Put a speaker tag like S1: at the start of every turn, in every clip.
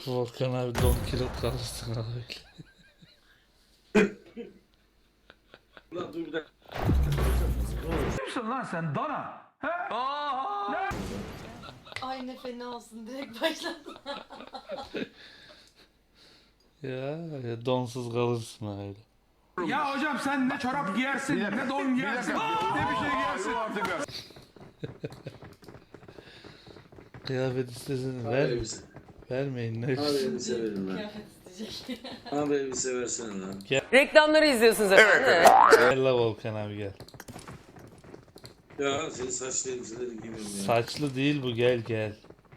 S1: Volkan abi don kilo kalırsın abi.
S2: Ulan dur bir dakika.
S3: Kimsin lan sen dana? He?
S4: Ay ne fena olsun direkt başladım.
S1: Ya donsuz kalırsın öyle.
S3: Ya hocam sen ne çorap giyersin, ne don giyersin, ne bir şey giyersin.
S1: Kıyafet istesene
S2: Abi
S1: ver.
S2: elbise.
S1: Vermeyin ne
S2: Abi elbise verin lan.
S4: Kıyafet isteyecek.
S2: Abi elbise versene lan.
S5: Reklamları izliyorsunuz efendim. Evet.
S1: Gel la Volkan abi gel.
S2: Ya senin saçlı elbiseleri giymiyorum ya.
S1: Saçlı değil bu gel gel.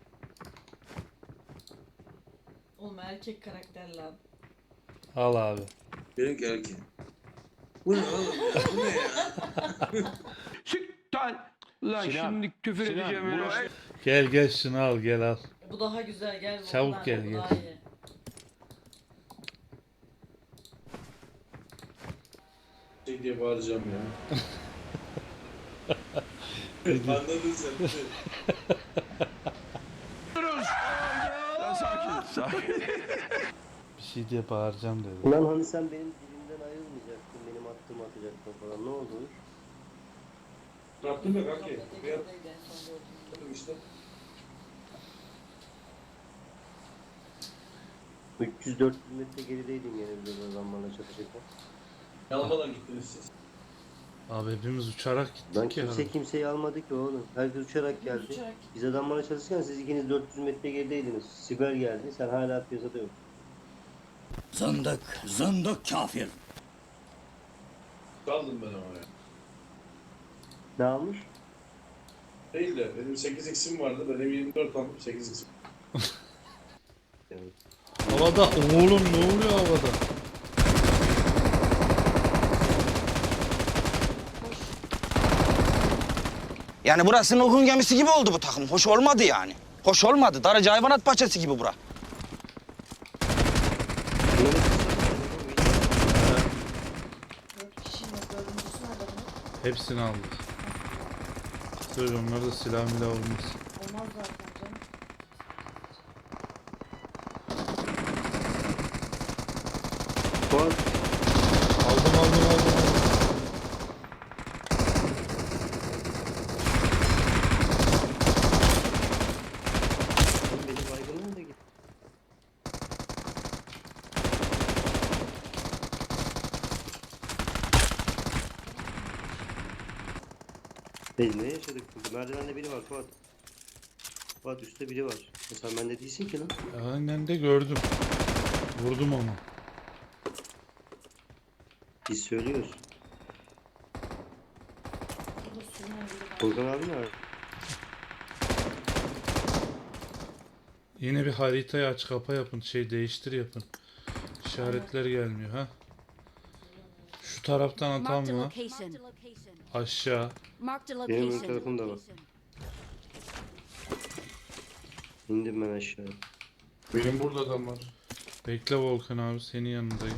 S4: Oğlum erkek karakter lan.
S1: Al abi.
S2: Benimki erkek. Bu ne oğlum ya? Bu ne ya?
S3: Siktir. Lan şimdi küfür edeceğim öyle.
S1: Gel gel şunu al gel al.
S4: Bu daha güzel gel. bu
S1: Çabuk
S4: daha-
S1: gel,
S4: bu
S1: gel.
S4: daha iyi.
S2: Şey diye bağıracağım ya. Anladın sen.
S1: Bir şey diye bağıracağım dedi.
S6: Ulan hani sen benim dilimden ayrılmayacaktın, benim attığımı atacaktın falan. Ne oldu?
S2: Ne yaptın be kanki?
S4: Sohbete
S2: Ne
S4: girdiydi en son gördüğüm.
S2: yaptın işte?
S6: 300-400 metre gerideydin gene bir adamlarla çatışırken.
S2: Yalmadan gittiniz siz.
S1: Abi hepimiz uçarak
S6: Lan
S1: gittik ya.
S6: kimse kimseyi almadı ki oğlum. Herkes uçarak geldi.
S4: Uçarak.
S6: Biz adamlarla çalışırken siz ikiniz 400 metre gerideydiniz. Siber geldi, sen hala piyasada yok.
S7: Zındık, zındık kafir.
S2: Kaldım ben ama ya.
S6: Ne almış?
S2: Değil de benim 8x'im vardı. Benim 24 aldım 8x'im.
S1: Havada oğlum ne oluyor havada?
S7: Yani burası Nuh'un gemisi gibi oldu bu takım. Hoş olmadı yani. Hoş olmadı. Darıca hayvanat bahçesi gibi bura.
S4: Dört kişinin dördüncüsü nerede bunun?
S1: Hepsini aldık. Söyle onlar da silah milah olmaz.
S4: Olmaz zaten canım.
S6: Fuat,
S1: Aldım.
S6: oğlum benim baygınım da git. Biz ne yaşadık burada? Merdivende biri var Fuat. Fuat üstte biri var. Sen bende değilsin ki lan.
S1: Aynen de gördüm. Vurdum onu.
S6: Biz söylüyoruz.
S4: Burada sürünen biri var.
S6: Volkan abi nerede?
S1: Yine bir haritayı aç kapa yapın. Şey değiştir yapın. İşaretler gelmiyor ha. Şu taraftan
S8: Marked a
S1: atan var.
S8: location.
S1: Aşağı.
S8: Marked a
S6: Benim ön
S8: location.
S6: tarafımda var. İndim ben aşağı.
S2: Benim burada adam var.
S1: Bekle Volkan abi senin yanındayım.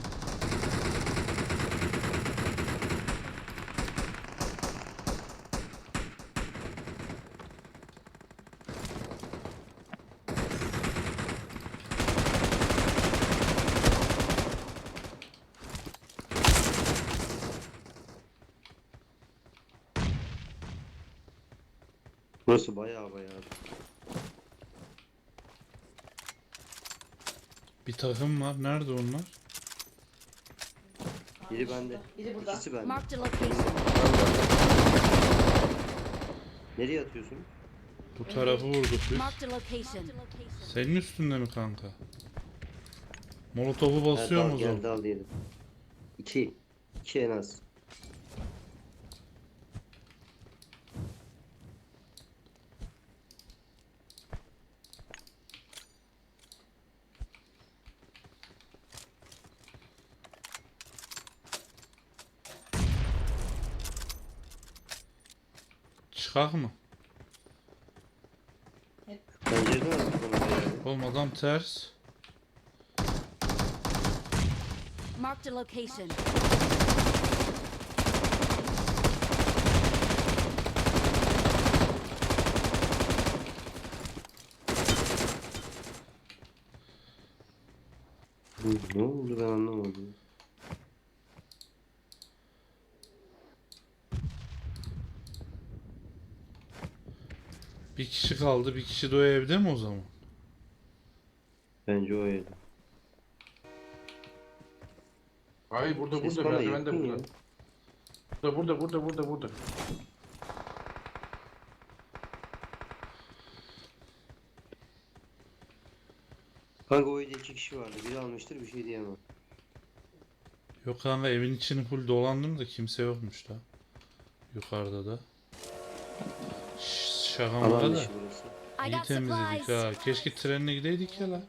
S6: Burası bayağı.
S1: Bir takım var. Nerede onlar?
S6: Biri bende.
S4: Biri burada.
S6: İkisi bende.
S8: Marked a location.
S6: Nereye atıyorsun?
S1: Bu tarafı vurduk biz.
S8: Marked a location.
S1: Senin üstünde mi kanka? Molotofu basıyor mu o zaman?
S6: Gel dal diyelim. İki. İki en az.
S1: Çıkak mı?
S6: Pencereden attık onu da yani.
S1: Oğlum adam ters.
S8: Marked a location.
S6: Ne oldu ben anlamadım.
S1: Bir kişi kaldı. Bir kişi de o evde mi o zaman?
S6: Bence o evde.
S3: Hayır burada
S6: Ses
S3: burada
S6: bana
S3: merdiven de
S6: yakın ya.
S3: burada. Burada.
S6: Kanka o evde 2 kişi vardı. Biri almıştır bir şey diyemem.
S1: Yok kanka evin içini full dolandım da kimse yokmuş da. Yukarıda da. Şaka maka
S6: Alan
S1: da.
S6: dışı burası.
S8: I
S1: İyi
S8: got
S1: temizledik
S8: supplies.
S1: ha. Keşke trenle gideydik ya la.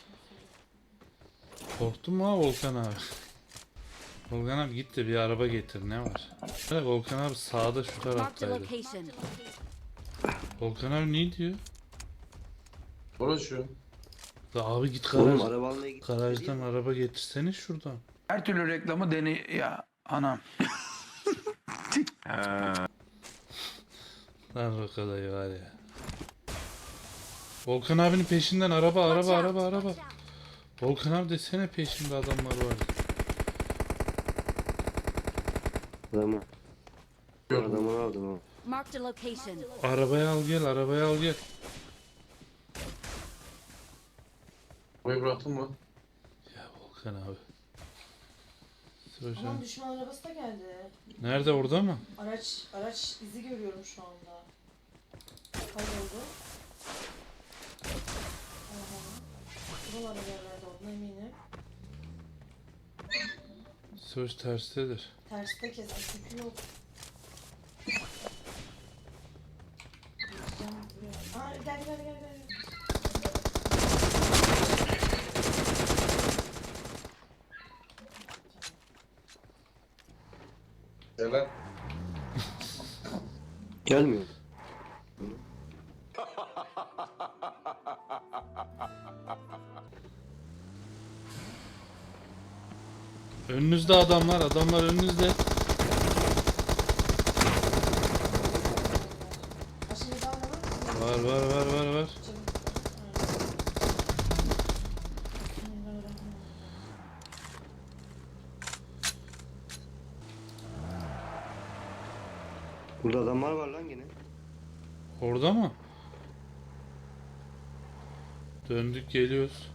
S1: Korktun mu ha Volkan abi? Volkan abi git de bir araba getir ne var? Evet, Volkan abi sağda şu
S8: Marked a
S1: taraftaydı.
S8: location.
S1: Volkan abi ne diyor?
S3: Orası şu.
S1: Da abi git
S6: Oğlum
S1: garaj,
S6: araba almaya gittik.
S1: garajdan araba getirsene şuradan.
S3: Her türlü reklamı deney ya anam.
S1: Lan Rokadayı var ya. Volkan abinin peşinden araba.
S8: Watch out.
S1: Volkan abi desene peşinde adamlar var.
S6: Adamı.
S3: Gördüm.
S6: Adamını aldım ha.
S8: Marked a location.
S1: Arabaya al gel.
S3: Burayı bıraktın mı?
S1: Ya Volkan abi.
S4: Aman
S1: Söyleyeceğim.
S4: düşman arabası da geldi.
S1: Nerede orada mı?
S4: Araç izi görüyorum şu anda. Kayboldu. Aha. Buralarda yerlerde olduğuna eminim.
S1: Söz terstedir.
S4: Terste kesin çünkü yok. Gideceğim buraya. Aa gel.
S3: Selam.
S6: Gelmiyor.
S1: Önünüzde adamlar önünüzde.
S4: Aşırı daha var.
S1: Var.
S6: Burada adamlar var lan gene.
S1: Orada mı? Döndük geliyoruz.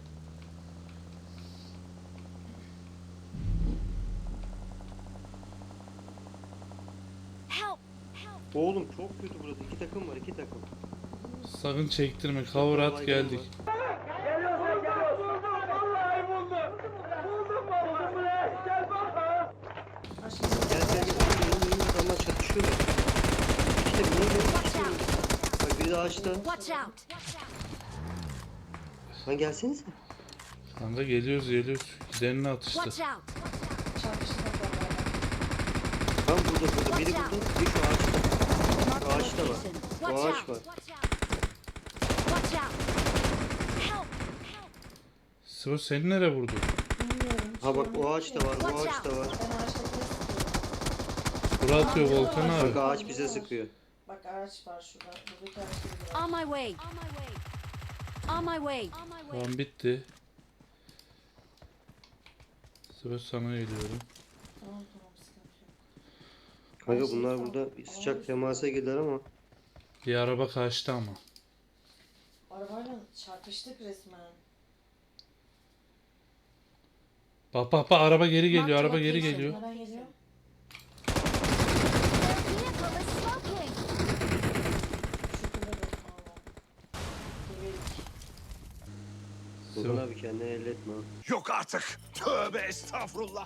S8: Help.
S6: Oğlum çok kötü burası. 2 takım var 2 takım.
S1: Sakın çektirme. Cover at geldik.
S6: Gel. Adamlar çatışıyorlar. İşte bunu bak biri de ağaçta.
S8: Watch out.
S6: Lan gelsenize.
S1: Kanka geliyoruz. Gidenini atıştı.
S8: Watch out.
S4: Çarpıştık beraber.
S6: Tam burada. Biri burada. Biri şu ağaçta.
S8: Marked a
S6: Ağaçta var.
S8: location.
S6: Bu
S8: Watch
S6: ağaç var.
S8: out. Watch out. Help.
S1: Söz seni nereye vurdu?
S4: Bilmiyorum.
S6: Ha bak o ağaç da var. Bu ağaç da var.
S4: Ben ağaçtakine sıkıyorum.
S1: Bura atıyor Volkan
S6: Bak
S1: abi.
S6: ağaç bize sıkıyor.
S4: Bak araç var şurada. Buradaki araçta bir var.
S8: On my way. On my way.
S1: Tamam bitti. Söz sana geliyorum.
S4: Tamam sıkıntı yok.
S6: Kanka bunlar burada bir sıcak temasa girdiler ama.
S1: Bir araba kaçtı ama.
S4: Arabayla çarpıştık resmen.
S1: Bak araba geri geliyor. Araba geri geliyor.
S4: Nereden geliyor? Şükürler olsun Allah'ım. Geberik.
S6: Volkan abi kendini elletme ha.
S9: Yok artık. Tövbe estağfurullah.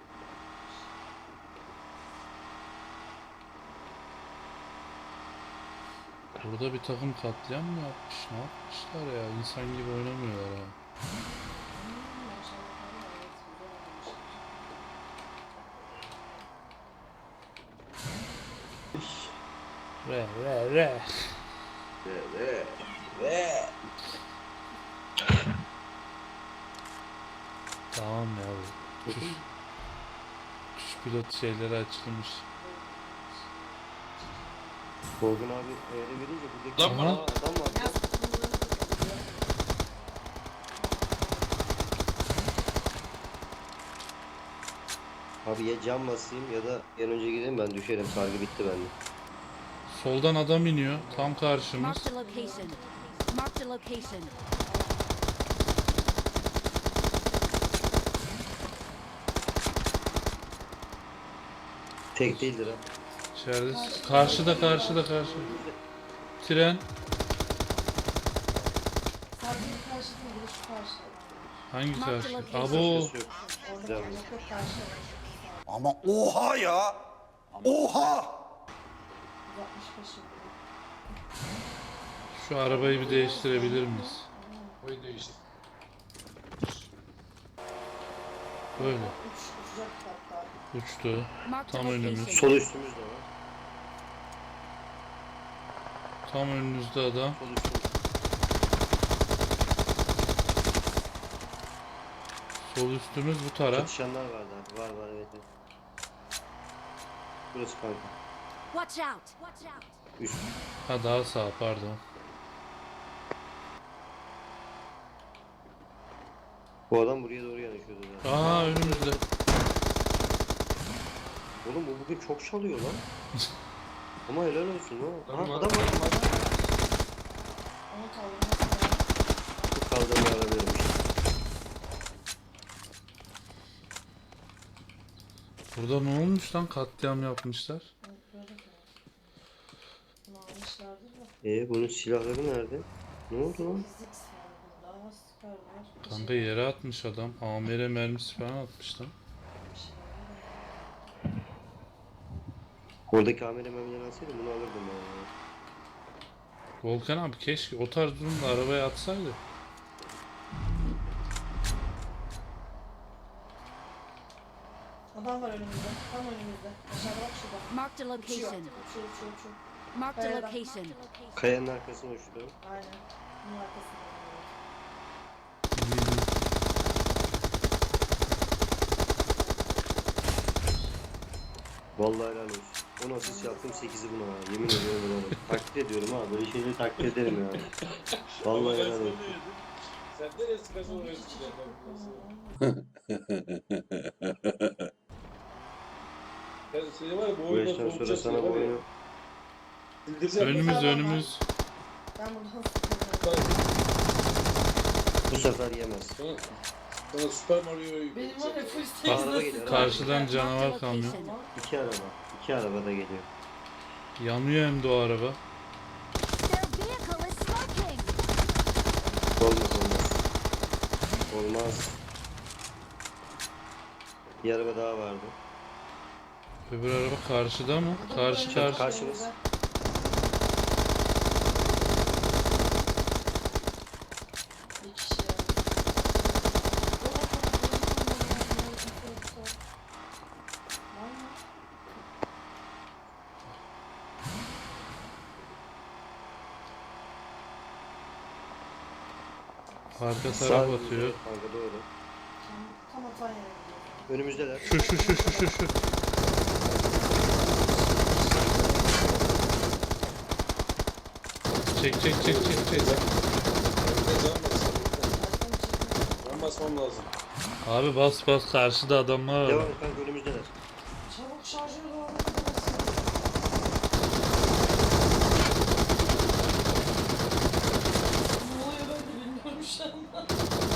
S1: Burada bir takım katliam mı yapmış? Ne yapmışlar ya? İnsan gibi oynamıyorlar ha. Re. Tamam ya bu. Kuş pilot şeyleri açılmış.
S6: Volkan abi öyle verince buradaki
S1: Lan bana-
S6: adam var.
S4: Ya,
S6: Abi ya cam basayım ya da yan önce gideyim, ben düşerim. Sargı bitti bende.
S1: Soldan adam iniyor. Tam karşımız.
S8: Marked a location. Marked a location.
S6: Tek değildir ha.
S1: İçeride. Karşıda. Tren.
S4: Sadece bir karşı değil, bir de şu karşı.
S1: Hangi karşı?
S8: location.
S1: Abo.
S6: Şurası yok.
S4: Orada
S6: Güzel.
S4: yok yok karşı.
S9: Ama oha ya. Oha.
S4: 165 yıl.
S1: Şu arabayı bir değiştirebilir miyiz?
S3: Oyu değiştir.
S1: Böyle.
S4: Uçacak hatta.
S1: Uçtu.
S8: Marked a
S1: Tam önümüz.
S8: location.
S6: Sol üstümüz de var.
S1: Tam önünüzde adam.
S6: Sol üstümüz.
S1: Sol üstümüz bu taraf.
S6: Çatışanlar var da. Var evet. Evet. Burası kanka.
S8: Watch out. Watch out.
S6: Üst.
S1: Ha daha sağ pardon.
S6: Bu adam buraya doğru yanaşıyordu zaten.
S1: Aa önümüzde.
S6: Oğlum bu bugün çok çalıyor lan. Ama helal olsun ha. Aha,
S3: Adam var.
S6: adam var.
S4: Onu kaldırması lazım.
S6: Bu kaldırma aramıyorum işte.
S1: Burada ne olmuş lan? Katliam yapmışlar.
S4: Evet, böyle de. Bunu almışlardır da.
S6: Bunun silahları nerede? Ne oldu lan?
S4: Fizik var bunda. Süper var. Bir
S1: Kanka
S4: şey-
S1: yere atmış adam. AMR mermisi falan atmış lan.
S4: bir şey var.
S6: Oradaki kamera memnun alsaydım bunu alırdım ben ya.
S1: Volkan abi keşke o tarz durumda arabaya atsaydı.
S4: Adam var önümüzde. Tam önümüzde. Aşağıda bak şurada.
S8: Marked a
S4: Uçuyor.
S8: location.
S4: Uçuyor.
S8: Marked a
S4: Kayadan.
S8: location.
S6: Kayanın arkasına uçtu.
S4: Aynen. Bunun arkasında.
S6: Vallahi helal olsun. 10 asist yaptım, 8'i buna ha. Yemin ediyorum helal olsun. Takdir ediyorum ha. Böyle şeyleri takdir ederim ya. Vallahi helal olsun.
S3: Sen nereye sıkasın oraya Sen seni var ya bu
S6: Bu
S3: oyundan
S6: yaştan sonra
S3: soğutacaksın
S6: sana bu
S3: ya, var ya.
S6: oyunu...
S3: Sildireceğim.
S1: Önümüz.
S4: Ben buradan sıkıyorum.
S6: Bu sefer yemez.
S3: Sana Super Mario'yu
S4: Benim var ya full
S6: Araba
S4: sex'de
S6: geliyor.
S1: Karşıdan
S8: Marked a
S1: canavar kamyon.
S8: location.
S6: İki araba. İki araba da geliyor.
S1: Yanıyor hem de o araba.
S8: Their vehicle is smoking.
S6: Olmaz. Olmaz. Bir araba daha vardı.
S1: Öbür araba karşıda mı? Karşı.
S6: Karşımız.
S4: Bir kişi ya. Var mı?
S1: Arka
S6: Sağ
S1: taraf
S6: önümüzde.
S1: atıyor.
S6: Kanka doğru.
S4: Tam atan yere gidiyor.
S6: Önümüzdeler.
S1: Şu. Çek.
S3: Ben basmam lazım.
S1: Abi bas karşıda adamlar
S6: Devam
S1: var.
S6: et kanka, önümüzdeler.
S4: Çabuk şarjörü doğru basın. Ne oluyor ben de bilmiyorum şu anda.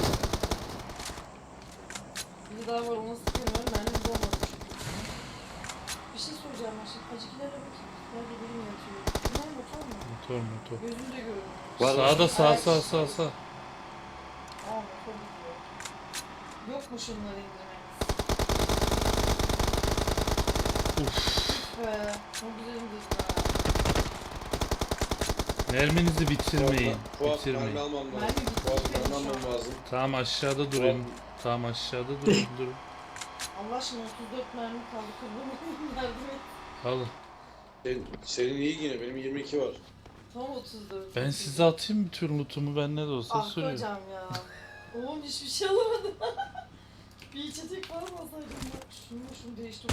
S4: Bir daha var onu sıkıyorum. Mermimiz olmadı çünkü. Bir şey soracağım ben şimdi. Acıkilere bakayım. Nerede birim yatıyor. Bunlar motor mu?
S1: Motor.
S4: Gözümde görüyorum.
S6: Var mı?
S1: Sağda sağ.
S4: Aa motor gidiyor. Yok mu şunları indirmemiz? Uf be. Çok güzel indirdin ha.
S1: Merminizi bitirmeyin.
S3: Fuat mermi almam lazım.
S4: Mermi bitti.
S3: Fuat mermi almam lazım.
S1: Tamam aşağıda durun. Durun.
S4: Allah aşkına 34 mermi kaldı. Kurban olayım, yardım et.
S1: Alın.
S3: Senin iyi yine, benim 22 var.
S4: Tam 34.
S1: Ben size atayım bütün lootumu, ben ne de olsa
S4: Ah
S1: sürüyorum.
S4: hocam ya. Oğlum hiçbir şey alamadım. Bir içecek falan alsaydım bak. Şunu değiştir.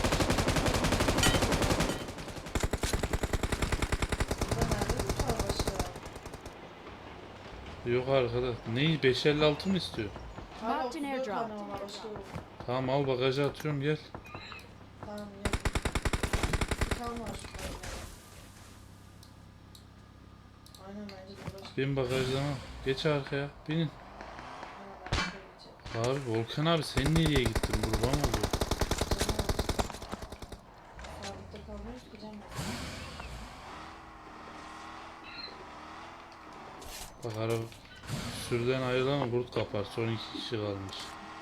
S4: Burada nerede bir var başka?
S1: Yok arkadaş. Neyi? 556 mı istiyor?
S4: Hala
S8: Marked an
S4: 34
S8: airdrop.
S4: tane var başka yok.
S1: Tamam al bagaja atıyorum gel.
S4: Tamam yok. Sıkan var şurada. Aynen bence de uğraş.
S1: Bin bagajlama. Geç arkaya. Binin.
S4: Ha, ben şöyle gideceğim.
S1: Abi Volkan abi sen nereye gittin? Kurban oluyor.
S4: Sabit'te kalmıyoruz ki Cem.
S1: Bak araba sürüden ayrılan kurt kapar. Son 2 kişi kalmış.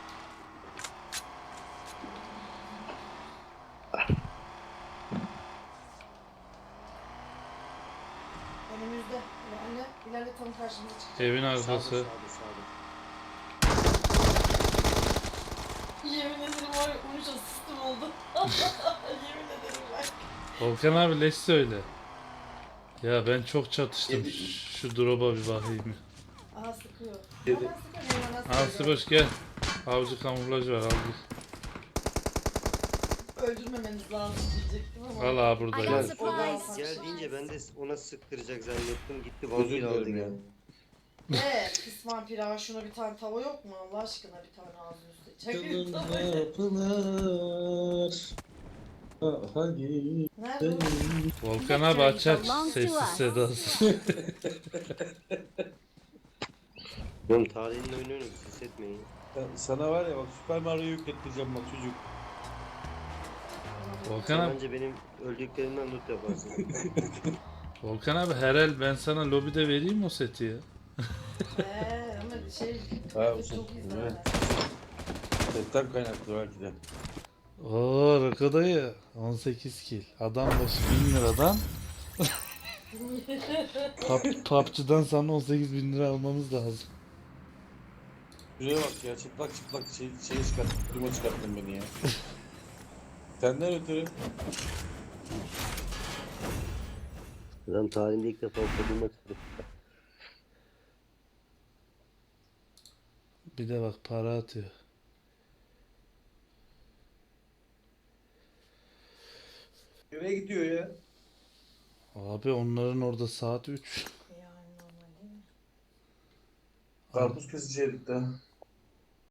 S4: Önümüzde. İlerle tam karşımıza çıkacak.
S1: Evin
S6: Sağda
S1: arkası.
S6: sağda sağda.
S4: Yemin ederim var ya uyuş asistim oldu. Yemin ederim bak.
S1: Volkan abi leş söyle. Ya ben çok çatıştım. Şu drop'a bir bakayım.
S4: Aha sıkıyor.
S2: Dedi.
S4: Hemen sıkıyor. Hemen sıkıyor.
S1: Aslıboş gel. Avcı kamuflaj var al git.
S4: Öldürmemeniz lazım diyecektim ama.
S1: Al abi burada
S8: I
S1: gel.
S8: got supplies.
S6: Gel deyince ben de ona sıktıracak zannettim. Gitti
S2: Özür
S6: vampir aldı
S2: dilerim ya.
S6: gene.
S4: Ne? Pis vampir ağa şuna bir tane tava yok mu Allah aşkına bir tane ağzını üstüne çakayım
S2: Yolunda
S4: tavayı.
S2: pınar. Hadi.
S4: Nerede o?
S1: Volkan abi aç aç. Sessiz sedasız.
S6: Oğlum tarihin oyunu oynuyoruz. Ses etmeyin.
S2: Sana var ya bak Süper Mario'yu yüklettireceğim bak çocuk.
S1: Volkan
S6: Sen
S1: abi.
S6: bence benim öldüklerimden loot yaparsın.
S1: Volkan abi her el ben sana lobide vereyim o seti ya.
S4: Ama şey
S2: Ha, o
S4: çok
S2: şey,
S4: izlemez.
S2: Setten kaynaklı belki de.
S1: Oo Rako ya 18 kill. Adam başı 1000 liradan. PUBG'dan sana 18.000 lira almamız lazım.
S2: Şuraya bak ya çıplak çıplak şey çıkarttın, duruma çıkarttın beni ya. Senden ötürü.
S6: Adam tarihinde ilk defa koduma çıktı.
S1: Bir de bak para atıyor.
S2: Nereye gidiyor ya?
S1: Abi onların orada saat 3.
S4: Yani normal değil mi?
S2: Karpuz kesici herif daha.